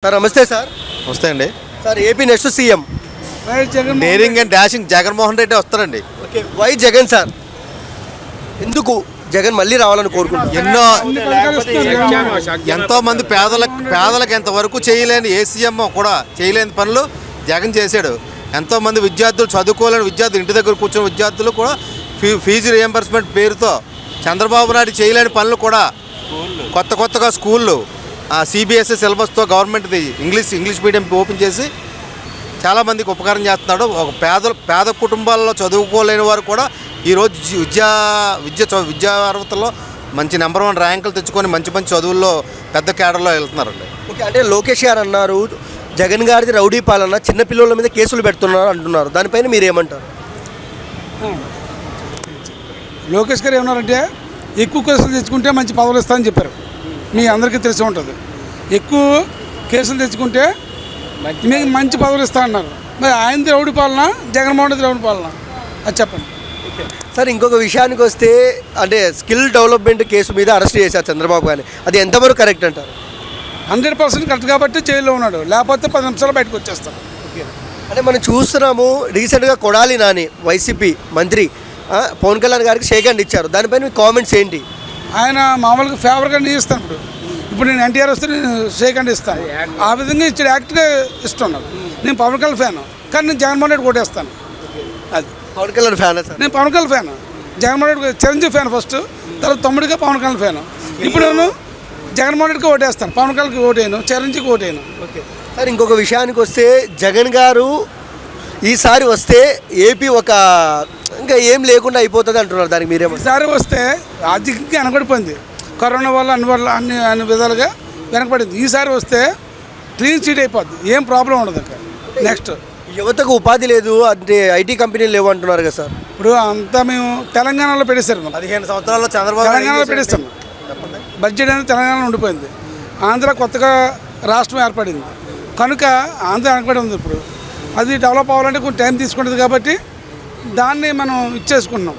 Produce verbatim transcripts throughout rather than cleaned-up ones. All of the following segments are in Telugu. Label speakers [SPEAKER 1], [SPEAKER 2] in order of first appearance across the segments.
[SPEAKER 1] సార్ నమస్తే సార్.
[SPEAKER 2] వస్తే అండి
[SPEAKER 1] sir AP next CM
[SPEAKER 2] daring and dashing Jaganmohan Reddy వస్తారండి.
[SPEAKER 1] Okay, why Jagan sir? ఎందుకు జగన్ మళ్ళీ రావాలని కోరుకుంటున్నారు?
[SPEAKER 2] ఎన్నో ఎంతో మంది పేదలకు పేదలకు ఎంతవరకు చేయలేని ఏ సీఎం కూడా చేయలేని పనులు జగన్ చేశాడు. ఎంతోమంది విద్యార్థులు చదువుకోలేని విద్యార్థులు ఇంటి దగ్గర కూర్చున్న విద్యార్థులు కూడా ఫీ ఫీజు రియంబర్స్మెంట్ పేరుతో చంద్రబాబు నాయుడు చేయలేని పనులు కూడా కొత్త కొత్తగా స్కూళ్ళు సిబిఎస్ఈ సిలబస్తో గవర్నమెంట్ది ఇంగ్లీష్ ఇంగ్లీష్ మీడియం ఓపెన్ చేసి చాలామందికి ఉపకారం చేస్తున్నాడు. ఒక పేద పేద కుటుంబాల్లో చదువుకోలేని వారు కూడా ఈరోజు విద్యా విద్య విద్యా అర్హతల్లో మంచి నెంబర్ వన్ ర్యాంకులు తెచ్చుకొని మంచి మంచి చదువుల్లో పెద్ద కేడర్లో వెళ్తున్నారండి.
[SPEAKER 1] ఓకే, అంటే లోకేష్ గారు అన్నారు జగన్ గారిది రౌడీ పాలన, చిన్నపిల్లల మీద కేసులు పెడుతున్నారు అంటున్నారు. దానిపైన మీరు ఏమంటారు?
[SPEAKER 3] లోకేష్ గారు ఏమన్నారంటే ఎక్కువ కేసులు తెచ్చుకుంటే మంచి పదవులు ఇస్తామని చెప్పారు. మీ అందరికీ తెలిసి ఉంటుంది. ఎక్కువ కేసులు తెచ్చుకుంటే మీకు మంచి పదవులు ఇస్తా అన్నారు. మరి ఆయనది రౌడీ పాలన, జగన్మోహన్ రెడ్డి రౌడీ పాలన, అది చెప్పండి.
[SPEAKER 1] సార్ ఇంకొక విషయానికి వస్తే అంటే స్కిల్ డెవలప్మెంట్ కేసు మీద అరెస్ట్ చేశారు చంద్రబాబు గారిని, అది ఎంతవరకు కరెక్ట్ అంటారు?
[SPEAKER 3] హండ్రెడ్ పర్సెంట్ కరెక్ట్ కాబట్టి జైల్లో ఉన్నాడు, లేకపోతే పది నిమిషాలు బయటకు వచ్చేస్తాం.
[SPEAKER 1] అంటే మనం చూస్తున్నాము రీసెంట్గా కొడాలి నాని వైసీపీ మంత్రి పవన్ కళ్యాణ్ గారికి షేక్ హ్యాండ్ ఇచ్చారు. దానిపైన మీ కామెంట్స్ ఏంటి?
[SPEAKER 3] ఆయన మామూలుగా ఫేవర్గా నేను ఇస్తాను. ఇప్పుడు ఇప్పుడు నేను ఎన్టీఆర్ వస్తే నేను షేక్ హ్యాండ్ ఇస్తాను. ఆ విధంగా ఇచ్చాడు, యాక్ట్గా ఇష్టం నాకు. నేను పవన్ కళ్యాణ్ ఫ్యాన్, కానీ నేను జగన్మోహన్ రెడ్డి కొట్టేస్తాను. అది
[SPEAKER 1] పవన్ కళ్యాణ్ ఫ్యాన్ సార్?
[SPEAKER 3] నేను Pawan Kalyan fan, Jaganmohan Reddy Chiranjeevi fan first, తర్వాత తమ్ముడిగా పవన్ కళ్యాణ్ ఫ్యాన్. ఇప్పుడు నేను జగన్మోహన్ రెడ్డికి ఓటేస్తాను, పవన్ కళ్యాణ్కి ఓటేను, చిరంజీవికి ఓటేను.
[SPEAKER 1] ఓకే సార్, ఇంకొక విషయానికి వస్తే జగన్ గారు ఈసారి వస్తే ఏపీ ఒక ఇంకా ఏం లేకుండా అయిపోతుంది అంటున్నారు. దానికి మీరేమో?
[SPEAKER 3] ఈసారి వస్తే ఆర్థికంగా వెనకబడిపోయింది, కరోనా వల్ల అన్ని వల్ల అన్ని అన్ని విధాలుగా వెనకబడింది. ఈసారి వస్తే క్లీన్ చీట్ అయిపోద్ది, ఏం ప్రాబ్లం ఉండదు. ఇంకా నెక్స్ట్
[SPEAKER 1] యువతకు ఉపాధి లేదు అంటే ఐటీ కంపెనీలు లేవు అంటున్నారు కదా సార్.
[SPEAKER 3] ఇప్పుడు అంతా మేము తెలంగాణలో పెట్టేశారు.
[SPEAKER 2] పదిహేను సంవత్సరాల్లో చంద్రబాబు
[SPEAKER 3] తెలంగాణలో పెట్టేస్తాం. బడ్జెట్ అనేది తెలంగాణలో ఉండిపోయింది. ఆంధ్ర కొత్తగా రాష్ట్రం ఏర్పడింది కనుక ఆంధ్ర వెనకబడి ఉంది. ఇప్పుడు అది డెవలప్ అవ్వాలంటే కొంచెం టైం తీసుకుంటుంది కాబట్టి దాన్ని మనం ఇచ్చేసుకుంటున్నాం.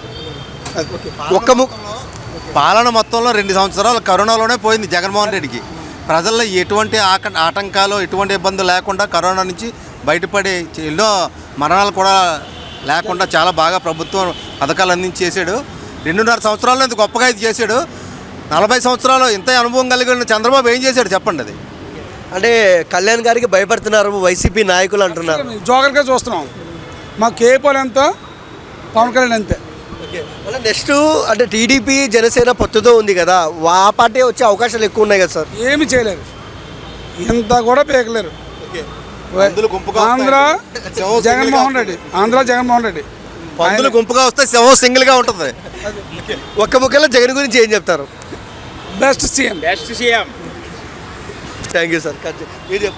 [SPEAKER 1] ఒక్క ము
[SPEAKER 2] పాలన మొత్తంలో రెండు సంవత్సరాలు కరోనాలోనే పోయింది జగన్మోహన్ రెడ్డికి. ప్రజల్లో ఎటువంటి ఆక ఆటంకాలు ఎటువంటి ఇబ్బందులు లేకుండా కరోనా నుంచి బయటపడి ఎన్నో మరణాలు కూడా లేకుండా చాలా బాగా ప్రభుత్వం పథకాలు అందించి చేశాడు. రెండున్నర సంవత్సరాల్లో ఇంత గొప్పగా ఇది చేశాడు. నలభై సంవత్సరాలు ఇంత అనుభవం కలిగిన చంద్రబాబు ఏం చేశాడు చెప్పండి? అది
[SPEAKER 1] అంటే కళ్యాణ్ గారికి భయపడుతున్నారు వైసీపీ నాయకులు అంటున్నారు.
[SPEAKER 3] జోగర్గా చూస్తున్నాం. మా కేపాల్ ఎంత, పవన్ కళ్యాణ్ అంతే.
[SPEAKER 1] ఓకే, నెక్స్ట్ అంటే టీడీపీ జనసేన పొత్తుతో ఉంది కదా, ఆ పార్టీ వచ్చే అవకాశాలు ఎక్కువ ఉన్నాయి కదా సార్?
[SPEAKER 3] ఏమి చేయలేరు, ఇంత కూడా పేకలేరు. ఆంధ్ర జగన్మోహన్ రెడ్డి, ఆంధ్ర జగన్మోహన్ రెడ్డి
[SPEAKER 2] పందులు గుంపుగా వస్తే సింహం సింగిల్గా ఉంటుంది.
[SPEAKER 1] ఒక్క ముక్కలో జగన్ గురించి ఏం చెప్తారు?
[SPEAKER 3] Best CM.
[SPEAKER 4] Best CM.
[SPEAKER 1] Thank you sir.